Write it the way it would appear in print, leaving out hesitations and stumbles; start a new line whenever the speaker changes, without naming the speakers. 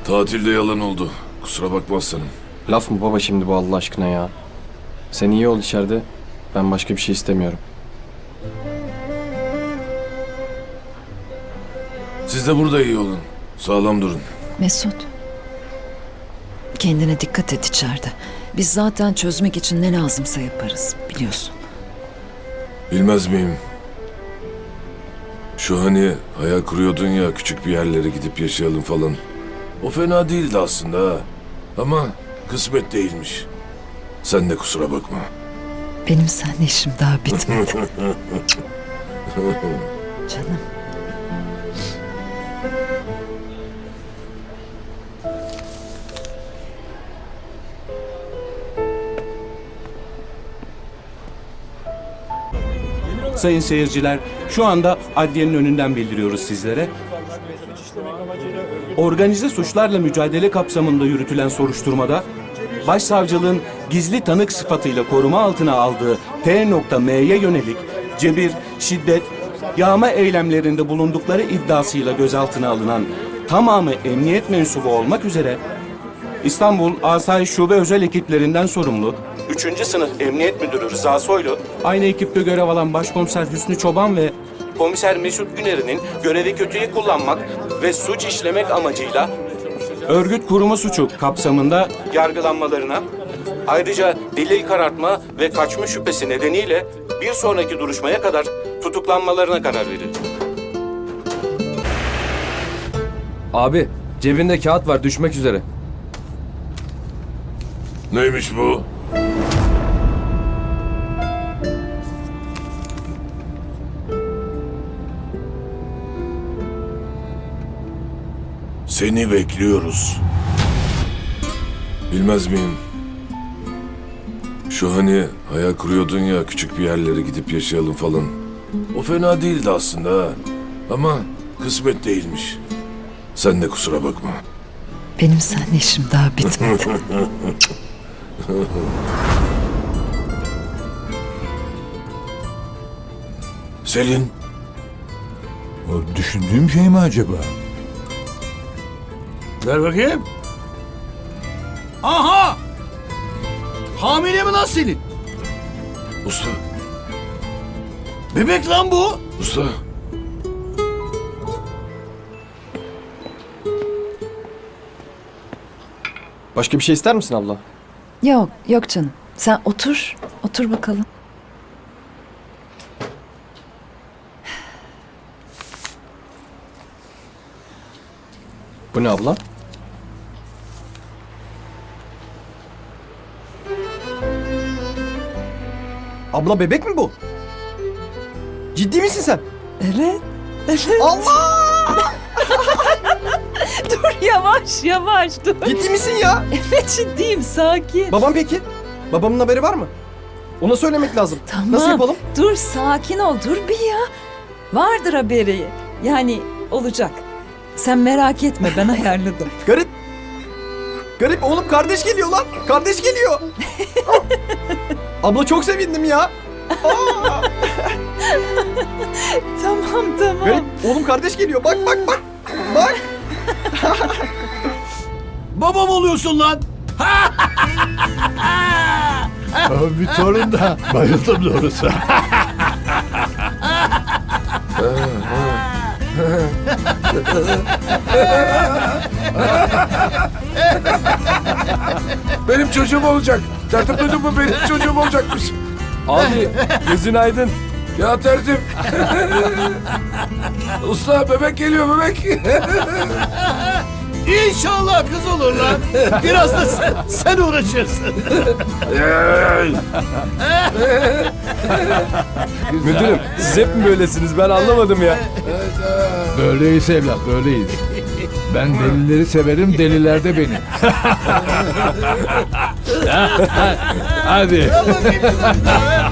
Tatilde yalan oldu. Kusura bakma aslanım.
Laf mı baba şimdi bu Allah aşkına ya? Sen iyi ol içeride. Ben başka bir şey istemiyorum.
Siz de burada iyi olun. Sağlam durun.
Mesut. Kendine dikkat et içeride. Biz zaten çözmek için ne lazımsa yaparız, biliyorsun.
Bilmez miyim? Şu hani hayal kuruyordun ya, küçük bir yerlere gidip yaşayalım falan. O fena değildi aslında ha. Ama kısmet değilmiş. Sen de kusura bakma.
Benim seninle işim daha bitmedi. Canım.
Sayın seyirciler, şu anda adliyenin önünden bildiriyoruz sizlere. Organize suçlarla mücadele kapsamında yürütülen soruşturmada, Başsavcılığın gizli tanık sıfatıyla koruma altına aldığı T.M'ye yönelik cebir, şiddet, yağma eylemlerinde bulundukları iddiasıyla gözaltına alınan tamamı emniyet mensubu olmak üzere İstanbul Asayiş Şube Özel Ekiplerinden sorumlu 3. Sınıf Emniyet Müdürü Rıza Soylu, aynı ekipte görev alan Başkomiser Hüsnü Çoban ve Komiser Mesut Güner'in görevi kötüye kullanmak ve suç işlemek amacıyla örgüt kurma suçu kapsamında yargılanmalarına, ayrıca delil karartma ve kaçma şüphesi nedeniyle bir sonraki duruşmaya kadar tutuklanmalarına karar verildi.
Abi cebinde kağıt var düşmek üzere.
Neymiş bu? Seni bekliyoruz. Bilmez miyim? Şu hani hayal kuruyordun ya, küçük bir yerlere gidip yaşayalım falan. O fena değildi aslında ha. Ama kısmet değilmiş. Sen de kusura bakma.
Benim seninle işim daha bitmedi.
Selin,
O düşündüğüm şey mi acaba?
Ver bakayım. Aha! Hamile mi lan Selin?
usta,
Bebek lan bu.
usta.
Başka bir şey ister misin abla?
Yok, yok canım. Sen otur, otur bakalım.
Bu ne abla?
Abla bebek mi bu? Ciddi misin sen?
Evet, evet.
Allah!
Dur yavaş, yavaş dur.
Ciddi misin ya?
Evet ciddiyim, sakin.
Babam peki? Babamın haberi var mı? Ona söylemek lazım.
Tamam.
Nasıl yapalım?
Dur sakin ol, dur bir ya. Vardır haberi. Yani olacak. Sen merak etme, ben ayarladım.
Garip. Garip oğlum, kardeş geliyor lan. Kardeş geliyor. Abla çok sevindim ya. Aa!
Tamam, tamam.
Garip oğlum, kardeş geliyor. Bak bak bak. Bak.
Babam oluyorsun lan.
Bir torun da bayıldım doğrusu.
Benim çocuğum olacak. Tertip duydun mu? Benim çocuğum olacakmış.
Abi gözün aydın.
Ya tertip. Usta, bebek geliyor, bebek.
İnşallah kız olur lan. Biraz da sen uğraşırsın.
Müdürüm siz hep mi böylesiniz ben anlamadım ya.
Böyleyiz evlat, böyleyiz. Ben delileri severim, deliler de beni. Hadi.
Al bakayım kızım.